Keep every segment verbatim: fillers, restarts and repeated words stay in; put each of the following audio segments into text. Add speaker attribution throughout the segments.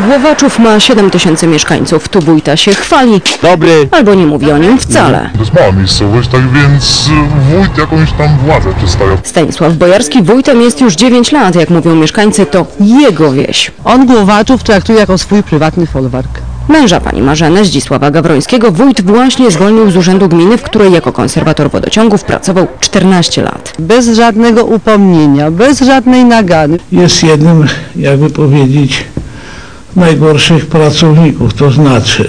Speaker 1: Głowaczów ma siedem tysięcy mieszkańców. Tu wójta się chwali,
Speaker 2: Dobry.
Speaker 1: albo nie mówi o nim wcale.
Speaker 3: To jest mała miejscowość, tak więc wójt jakąś tam władzę przedstawia.
Speaker 1: Stanisław Bojarski wójtem jest już dziewięć lat. Jak mówią mieszkańcy, to jego wieś.
Speaker 4: On Głowaczów traktuje jako swój prywatny folwark.
Speaker 1: Męża pani Marzeny, Zdzisława Gawrońskiego, wójt właśnie zwolnił z urzędu gminy, w której jako konserwator wodociągów pracował czternaście lat.
Speaker 4: Bez żadnego upomnienia, bez żadnej nagany.
Speaker 5: Jest jednym, jakby powiedzieć, najgorszych pracowników, to znaczy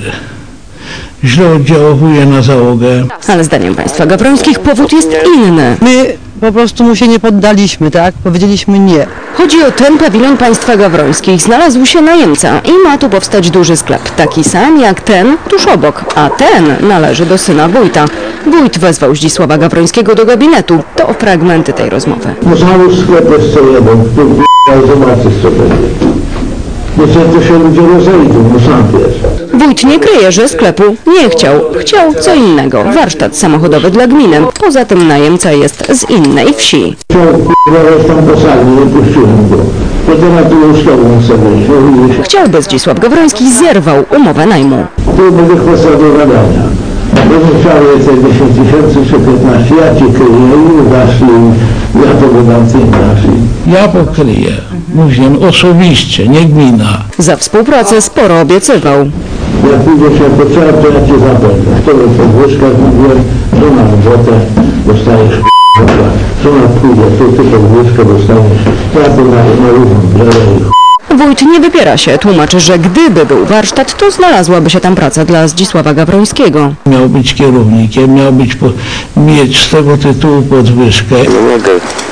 Speaker 5: źle oddziałuje na załogę.
Speaker 1: Ale zdaniem państwa Gawrońskich powód jest inny.
Speaker 4: My po prostu mu się nie poddaliśmy, tak? Powiedzieliśmy nie.
Speaker 1: Chodzi o ten pawilon państwa Gawrońskich. Znalazł się najemca i ma tu powstać duży sklep. Taki sam jak ten tuż obok, a ten należy do syna wójta. Wójt wezwał Zdzisława Gawrońskiego do gabinetu. To fragmenty tej rozmowy.
Speaker 6: No załóż sklep jeszcze jeden, tu zobaczysz co będzie. No co to się ludzie rozejdą, no sam wiesz.
Speaker 1: Wójt nie kryje, że sklepu nie chciał. Chciał co innego. Warsztat samochodowy dla gminy. Poza tym najemca jest z innej wsi.
Speaker 6: Chciał k***a tam posadzić, nie puściłem go. Potem na tu łóżkową sobie.
Speaker 1: Chciałby Zdzisław Gawroński zerwał umowę najmu.
Speaker 6: Tu będzie kwestia do gadania. Będę chciał więcej dziesięć tysięcy czy piętnaście, ja ci kryję i dasz i ja to wydam, ty dasz.
Speaker 5: Ja pokryję, mówiłem osobiście, nie gmina.
Speaker 1: Za współpracę sporo obiecywał.
Speaker 6: Jak pójdziesz jako trzeba, to ja cię zapewne. To jest podwyżka, mówiłem, to na robotę dostajesz k***a. Co na pójdzie, to ty podwyżkę dostaniesz. Ja to na, na równą bierę i
Speaker 1: Wójt nie wypiera się. Tłumaczy, że gdyby był warsztat, to znalazłaby się tam praca dla Zdzisława Gawrońskiego.
Speaker 5: Miał być kierownikiem, miał być po, mieć z tego tytułu podwyżkę.
Speaker 2: Nie mogę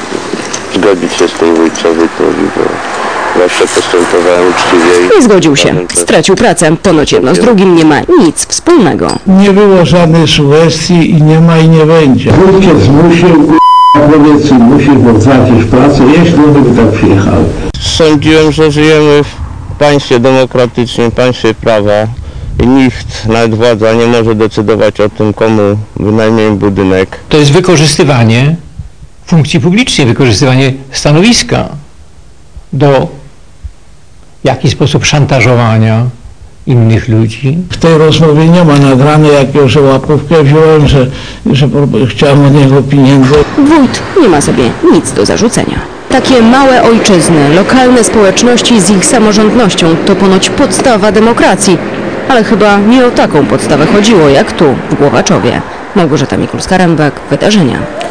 Speaker 2: zgodzić się z tym wójtowi, bo zawsze postępowałem uczciwie.
Speaker 1: Nie zgodził się. Stracił pracę. Ponoć jedno z drugim nie ma nic wspólnego.
Speaker 5: Nie było żadnej sugestii i nie ma i nie będzie.
Speaker 6: wójt cię zmusił, powiedz im, musisz, bo tracisz pracę, jeśli on by tak przyjechał.
Speaker 2: Sądziłem, że żyjemy w państwie demokratycznym, państwie prawa i nikt, nawet władza, nie może decydować o tym, komu wynajmiemy budynek.
Speaker 7: To jest wykorzystywanie funkcji publicznej, wykorzystywanie stanowiska do w jakiś sposób szantażowania innych ludzi.
Speaker 5: W tej rozmowie nie ma nagrane, jak już łapówkę wziąłem, że, że chciałem od niego pieniędzy.
Speaker 1: Wójt nie ma sobie nic do zarzucenia. Takie małe ojczyzny, lokalne społeczności z ich samorządnością to ponoć podstawa demokracji. Ale chyba nie o taką podstawę chodziło jak tu, w Głowaczowie. Małgorzata Mikulska-Rębek, Wydarzenia.